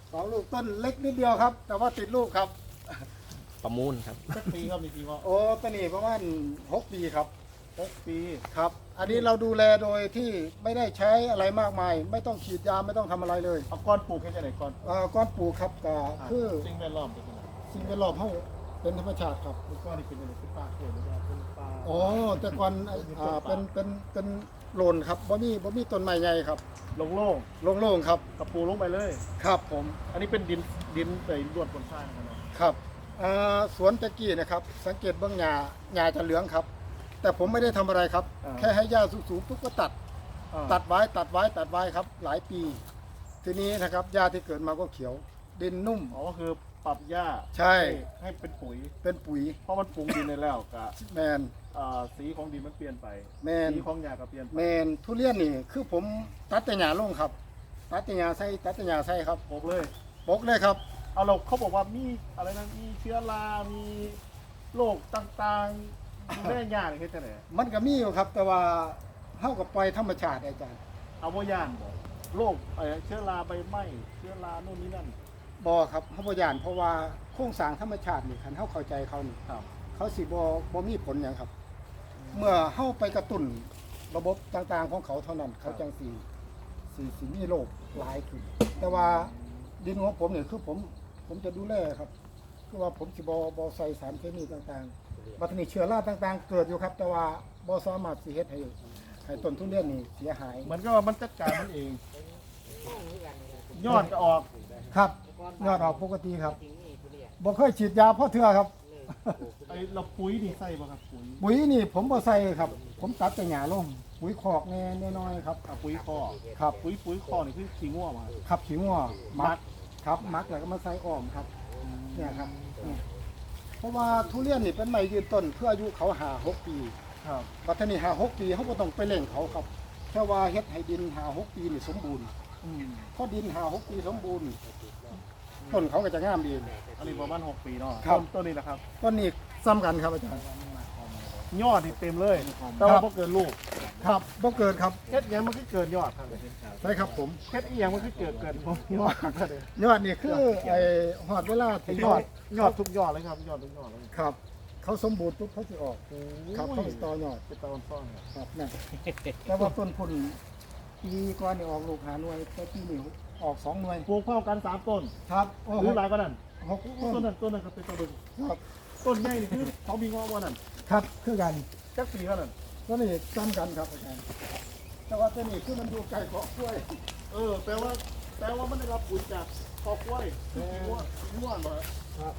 2 ลูกต้นเล็กนิดเดียวครับ แต่ว่าติดลูกครับประมูลครับสักปีครับมีปีว่าโอ้ต้นนี้ประมาณ6 ปีครับ 6 ปีครับ อันนี้เราดูแลโดยที่ไม่ได้ใช้อะไรมากมาย ไม่ต้องฉีดยาไม่ต้องทำอะไรเลยเอาก้อนปลูกแค่ไหนก้อนก้อนปลูกครับก็คือสิ่งแวดล้อมเป็นยังไงสิ่งแวดล้อมเขาเป็นธรรมชาติครับก้อนนี่เป็นยังไงเป็นป่าเขียวหรือว่าเป็นป่าอ๋อแต่ก่อนเป็นโลนครับบ่มีต้นไม้ใหญ่ครับโล่งโล่งๆครับๆกับปูลงไปเลยครับผมอันนี้เป็นดินใส่รวดบนทรายนะครับเนาะครับสวนตะกี้นะครับสังเกตเบื้องหญ้าจะเหลืองครับ แต่ผมไม่ได้ทำอะไรครับ แค่ให้หญ้าสูงๆปุ๊บก็ตัดไว้ครับ หลายปี ทีนี้นะครับหญ้าที่เกิดมาก็เขียว ดินนุ่มอ๋อก็คือปรับหญ้าใช่ให้เป็นปุ๋ยเป็นปุ๋ยเพราะมันปรุงดินในแล้วกับแมนสีของดินมันเปลี่ยนไปแมนสีของหญ้าก็เปลี่ยนไปแมนทุเรียนนี่คือผมตัดแต่หญ้าลงครับ ตัดแต่หญ้าใส่ครับปลูกเลยปกเลยครับเอาเราเขาบอกว่ามีอะไรนะมีเชื้อรา มีโรคต่างๆดูแลหญ้านี่เฮ็ดจังได๋มันก็มีอยู่ครับ แต่ว่าเท่ากับปล่อยธรรมชาติอาจารย์เอาบ่ย่านบ่โรคเชื้อราใบไหม้เชื้อราโน่นนี่นั่นบอครับเขาบ่ยานเพราะว่าโครงสร้างธรรมชาตินี่คันเฮาเข้าใจเขานี่ครับเขาสิบ่มีผลหยังครับ เมื่อเฮาไปกระตุ้นระบบต่างๆของเขาเท่านั้น เขาจังสิมีโรคหลายขึ้นแต่ว่าดินของผมเนี่ยคือผมจะดูแลครับ คือว่าผมสิบ่ใส่สารเคมีต่างๆบัดนี้เชื้อราต่างๆ เกิดอยู่ครับ แต่ว่าบ่สามารถสิเฮ็ดให้ต้นทุเรียนนี่เสียหายเหมือนกับว่ามันจัดการมันเอง ยอดก็ออกครับยอดออกปกติครับบ่เคยฉีดยาเพราะเทื่อครับไอ้เราปุ๋ยนี่ใส่บ่ครับปุ๋ยปุ๋ยนี่ผมบ่ใส่ครับ ผมตัดแต่หญ้าลงปุ๋ยคอกแน่น้อยๆครับปุ๋ยคอครับปุ๋ยคอนี่คือขี้ง่วมาขับขี้งัวมัมักกครับมักแล้วก็มาใส่อ้อมครับเนี่ยครับเนี่ยเพราะว่าทุเรียนนี่เป็นไม้ยืนต้นเพื่ออายุเขา5-6 ปีครับบัดทีนี้5-6 ปีเขาบ่ต้องไปเร่งเขาครับแค่ว่าเฮ็ดให้ดิน5-6 ปีนี่สมบูรณ์พอดิน5-6 ปีสมบูรณ์ต้นเขาก็จะงามดีอันนี้ประมาณ6 ปีเนาะครับต้นนี้นะครับต้นนี้ซ้ำกันครับอาจารย์ยอดนี่เต็มเลย แต่ว่าบ่เกินลูกครับบ่เกิดครับเฮ็ดหยังมันคือเกินยอดครับใช่ครับผมเฮ็ดอีหยังมันคือเกินยอดครับยอดนี่คือไอ้หอดเวลาที่ยอดทุกยอดเลยครับยอดทุกยอดเลยครับ เขาสมบูรณ์ปุ๊บเขาสิออกครับเขาสิต่อยอดเป็นตอนซ่อนครับครับนั่นแต่ว่าต้นพุ่นปีก่อนนี่ออกลูก5 หน่วยแต่ปีนี้ออก2 หน่วยปลูกพร้อมกัน3ต้นครับโอ้หรือหลายกว่านั้น 6 ต้ต้นนนั้นก็เป็นต้นเบิ่งครับต้นใหญ่นี่คือเขามีงอกว่านั่นครับคือกันจักปีว่านั่นต้นนี้ซ้ำกันครับอาจารย์แต่ว่าต้นนี้คือมันอยู่ใกล้เกาะกล้วยแปลว่ามันได้รับปุ๋ยจากคอกล้วยคือง่วนบ่ครับ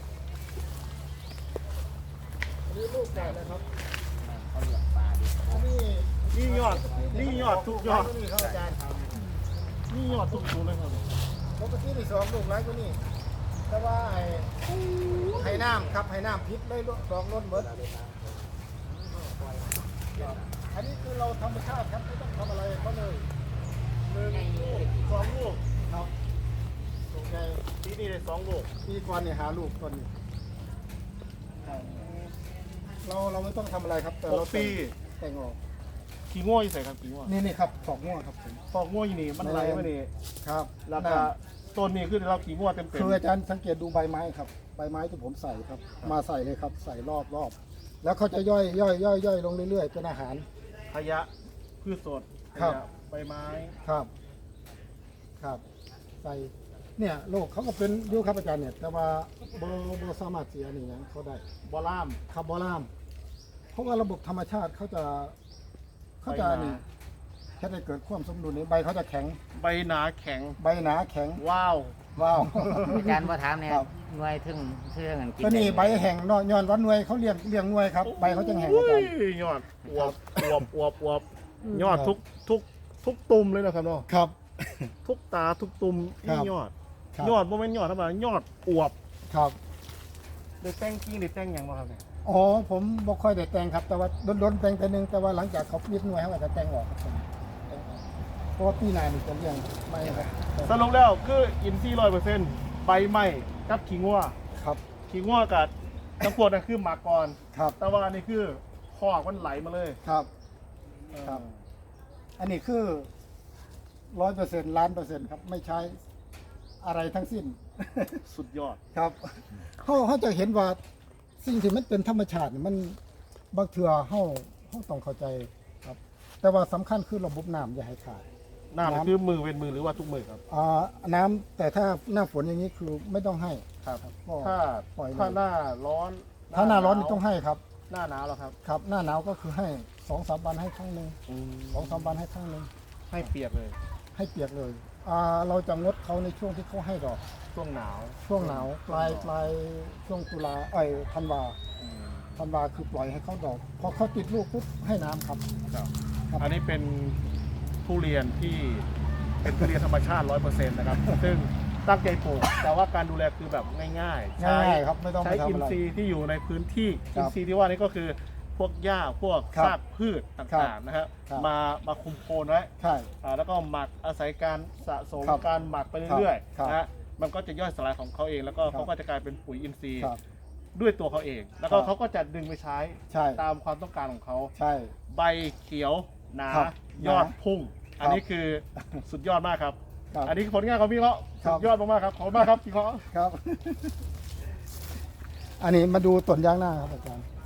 อันนี้ลูกใหญ่เลยครับอันนี้นี่ยอดทุกยอดนี่ครับอาจารย์นี่ยอดทุกสูงเลยครับปกติที่2 ลูกหลายกว่านี้แต่ว่าให้น้ำครับให้น้ำพิษเลยดอกล้นเบิดอันนี้คือเราธรรมชาติครับไม่ต้องทำอะไรเขาเลย 1 ลูก 2 ลูกครับลูกใหญ่ปีนี้ได้2 ลูกปีก่อนเนี่ยหาลูกต้นนี้เราไม่ต้องทำอะไรครับแต่เรา 6 ปีแต่งออกขี้ง่วอยู่ใส่ครับขี้ง่วนี่ครับถอกง่วครับผมคอกง่วอยู่นี่มันไหลมานี่ครับแล้วก็ต้นนี้คือได้รับขี้ง่วเต็มคืออาจารย์สังเกตดูใบไม้ครับใบไม้ที่ผมใส่ครับ มาใส่เลยครับ ใส่รอบแล้วเขาจะย่อยลงเรื่อยๆเป็นอาหารขยะพืชสดขครับยะใบไม้ครับใส่เนี่ยโรคเขาก็เป็นอยูครับอาจารย์เนี่ยแต่ว่าบ่สามารถเสียนี่ยังเขาได้บอล่ามครับบอลามเพราะว่าระบบธรรมชาติเขาจะนี่แค่ได้เกิดความสมดุลในใบเขาจะแข็งใบหนาแข็งใบหนาแข็งว้าวว้าวอาจารย์มาถามเนี่ยครับหน่วยถึงเชื่อกันกินตัวนี้ใบแห้งเนาะย้อนวันหน่วยเขาเลี้ยงหน่วยครับใบเขาจะแห้งอาจารย์โอ้ยยอดอวบยอดทุกตุ่มเลยนะครับเนาะครับทุกตาทุกตุ่มครันี่บยอดครับยอดบ่แม่นยอดธรรมดายอดอวบครับได้แต่งกิ่งได้แต่งหยังบ่ครับเนี่ยอ๋อผมบ่ค่อยได้แต่งครับ แต่ว่าโดนแต่งแต่หนึงแต่ว่าหลังจากเขาปิดหน่วยเขาก็จะแต่งออกครับผมแต่งออกเพราะว่าปีหน้านี่จะเลี้ยงไม่ครับสรุปแล้วคืออินทรีย์100%ใบไหม้กับขี้งัวครับขี้งัวกับน้ำพวกนั่นคือหมากก่อนครับแต่ว่าอันนี้คือคอกมันไหลมาเลยครับ ครับ อันนี้คือ100%ล้านเปอร์เซ็นต์ครับไม่ใช้อะไรทั้งสิ้นสุดยอดครับเขาจะเห็นว่าสิ่งที่มันเป็นธรรมชาตินี่มันบางเถื่อเขาต้องเข้าใจครับ แต่ว่าสำคัญคือระบบน้ำอย่าให้ขาดน้ำน้ำคือมือเป็นมือหรือว่าทุกมือครับน้ำแต่ถ้าหน้าฝนอย่างนี้คือไม่ต้องให้ครับก็ถ้าปล่อยเลยถ้าหน้าร้อนถ้าหน้าร้อนนี่ต้องให้ครับหน้าหนาวแล้วครับครับ หน้าหนาวก็คือให้2-3 วันให้ครั้งหนึ่ง2-3 วันให้ครั้งหนึ่งให้เปียกเลยให้เปียกเลยเราจะงดเขาในช่วงที่เขาให้ดอกช่วงหนาวช่วงหนาวปลายช่วงตุลาธันวาคือปล่อยให้เขาดอกพอเขาติดลูกปุ๊บให้น้ำครับครับครับอันนี้เป็นทุเรียนที่เป็นทุเรียนธรรมชาติ 100% นะครับ ซึ่งตั้งใจปลูกแต่ว่าการดูแลคือแบบง่ายๆง่ายๆครับไม่ต้องใช้ไปทำอินอะไรทรีย์ที่อยู่ในพื้นที่ครัอิบนทรีย์ที่ว่านี่ก็คือพวกหญ้าพวกครับซากพืชต่างๆนะครับครับมาคุมโคนไว้ใช่แล้วก็หมักอาศัยการสะสมครับการหมักไปเรื่อยครับๆนะฮะมันก็จะย่อยสลายของเขาเอง แล้วก็ครับเขาก็จะกลายเป็นปุ๋ยอินทรีย์ครับด้วยตัวเขาเอง แล้วก็ครับเขาก็จะดึงไปใช้ใช่ตามความต้องการของเขาใช่ใบเขียวหนาครับยอดพุ่งครับอันนี้คือสุดยอดมากครับครับอันนี้คือผลงานของพี่เขาครัสุบดยอดมากๆครับขอบคุณมากครับพี่เขาครับ อันนี้มาดูต้นยางหน้าครับอาจารย์